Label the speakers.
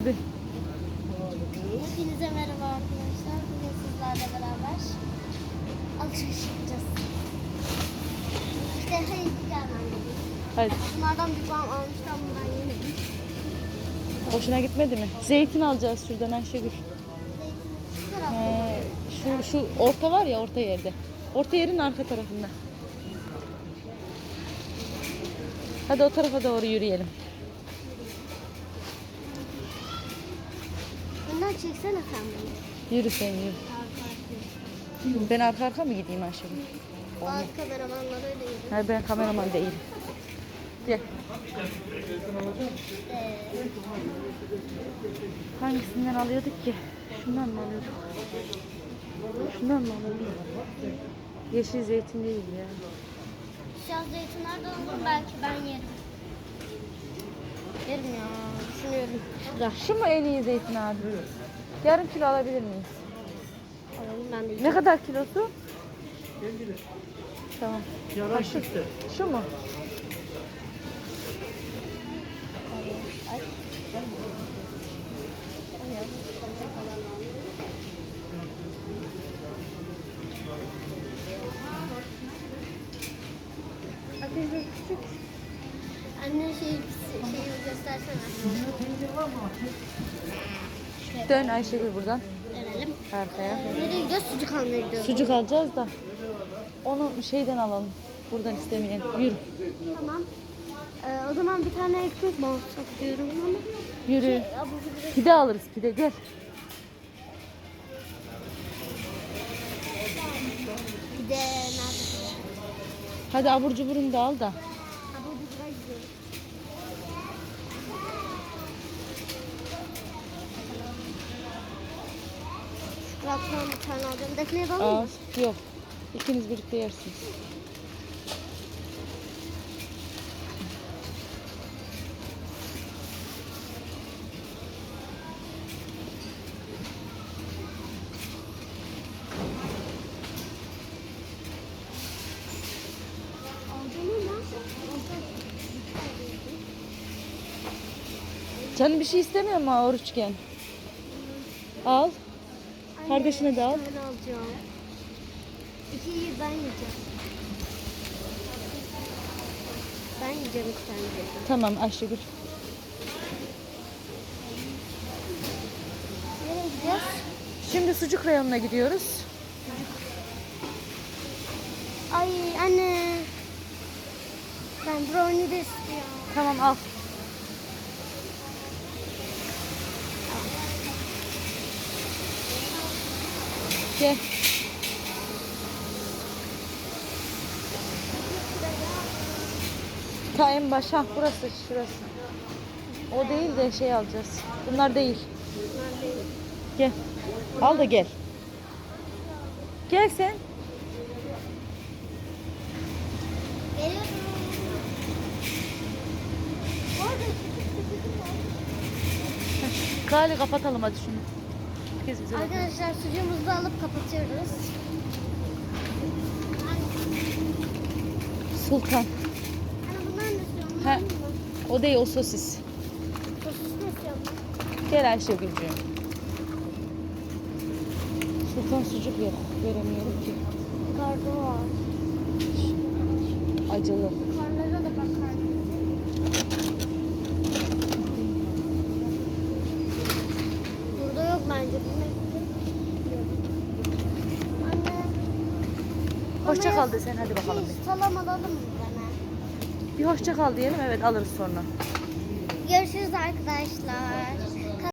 Speaker 1: Hadi.
Speaker 2: Hepinize merhaba arkadaşlar. Bugün sizlerle beraber alışveriş yapacağız. İşte hayır gelmem dedim.
Speaker 1: Hadi.
Speaker 2: Bunlardan bir bağım almıştım, bundan yemedim.
Speaker 1: Hoşuna gitmedi mi? Zeytin alacağız şuradan Ayşegül.
Speaker 2: Şu tarafta.
Speaker 1: Şu orta var ya, orta yerde. Orta yerin arka tarafında. Hadi o tarafa doğru yürüyelim.
Speaker 2: Bundan çeksene sen beni.
Speaker 1: Yürü sen yürü. Ben arka arka mı gideyim Ayşegül?
Speaker 2: Bazı kameramanlar öyle yürüyor.
Speaker 1: Hayır, ben kameraman değilim. Gel. Hangisinden alıyorduk ki? Şundan mı alıyorduk? Şundan mı alıyorduk? Yeşil zeytin değil ya.
Speaker 2: Siyah zeytinlerden olur, belki ben yerim. Yerim ya, düşünüyorum.
Speaker 1: Ya şu mu en iyi zeytin abi? Yarım kilo alabilir miyiz?
Speaker 2: Alalım, ben de
Speaker 1: Ne kadar kilosu? Tamam.
Speaker 3: Yalan çıktı.
Speaker 1: Şu mu?
Speaker 2: Anne şeyi göstersene.
Speaker 1: Dön Ayşegül buradan.
Speaker 2: Dönelim.
Speaker 1: Arkaya.
Speaker 2: Nereye gidiyoruz? Sucuk almaya gidiyoruz.
Speaker 1: Sucuk alacağız da. Onu şeyden alalım. Buradan istemeyen. Yürü.
Speaker 2: Tamam. O zaman bir tane ekmek alsak diyorum ama.
Speaker 1: Yürü.
Speaker 2: Abur cubur
Speaker 1: Pide alırız, pide gel.
Speaker 2: bir de nerede?
Speaker 1: Hadi abur cuburunu da al da.
Speaker 2: Abur cubura gidiyoruz. Çikolattan bir tane alacağım. Defne'ye de alayım
Speaker 1: Al.
Speaker 2: mı?
Speaker 1: Yok. İkiniz birlikte yersiniz.
Speaker 2: Alacağım ama.
Speaker 1: Canım bir şey istemiyor mu oruçken? Al. Kardeşine de al.
Speaker 2: Bir tane alacağım. İkiyi ben yiyeceğim. Ben yiyeceğim iki tane.
Speaker 1: Tamam Ayşegül.
Speaker 2: Nereye gideceğiz?
Speaker 1: Şimdi sucuk reyonuna gidiyoruz.
Speaker 2: Ay anne. Ben brownie de istiyorum.
Speaker 1: Tamam al. Gel. Ta en başa burası, şurası. O değil de şey alacağız. Bunlar değil. Gel. Al da gel. Gel sen.
Speaker 2: Geliyorum.
Speaker 1: Gali kapatalım hadi şunu. Herkes bize bakıyor.
Speaker 2: Arkadaşlar sucuğumuzu da alıp kapatıyoruz.
Speaker 1: Sultan.
Speaker 2: Anne bundan ne istiyorum?
Speaker 1: Ha,
Speaker 2: Bundan mı?
Speaker 1: o değil, o sosis.
Speaker 2: Sosis ne istiyorum?
Speaker 1: Gel Ayşegül'cüğüm. Sultan sucuk yok. Göremiyorum ki.
Speaker 2: Kargo var.
Speaker 1: Acılı.
Speaker 2: Karlara da bakar. Burada yok bence. Anne.
Speaker 1: Hoşça
Speaker 2: bana
Speaker 1: kal desen hadi bakalım.
Speaker 2: Salam alalım mı bana?
Speaker 1: Bir hoşça kal diyelim, evet alırız sonra.
Speaker 2: Görüşürüz arkadaşlar.